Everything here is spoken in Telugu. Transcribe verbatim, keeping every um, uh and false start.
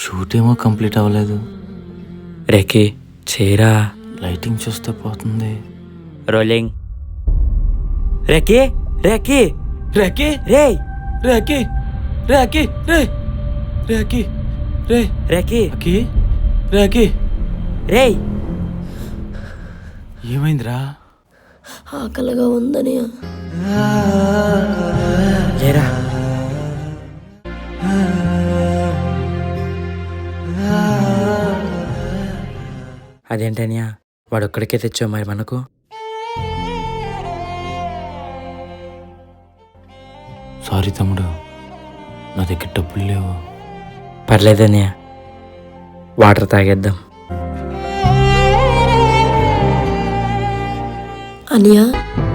షూట్ ఏమో కంప్లీట్ అవ్వలేదు. రేకి చేరా. లైటింగ్ చూస్తే పోతుంది. రోలింగ్. రేకి రేకి రేకి రే రేకి రేకి రే రేకి రే రేకి రేకి రేకి రే. ఏమైందిరా? ఆకలిగా ఉందని. లేరా. అదేంటనియా వాడు ఒక్కడికే తెచ్చావు మరి మనకు? సారీ తమ్ముడు, నా దగ్గర డబ్బులు లేవు. పర్లేదనియా, వాటర్ తాగేద్దాం. అనియా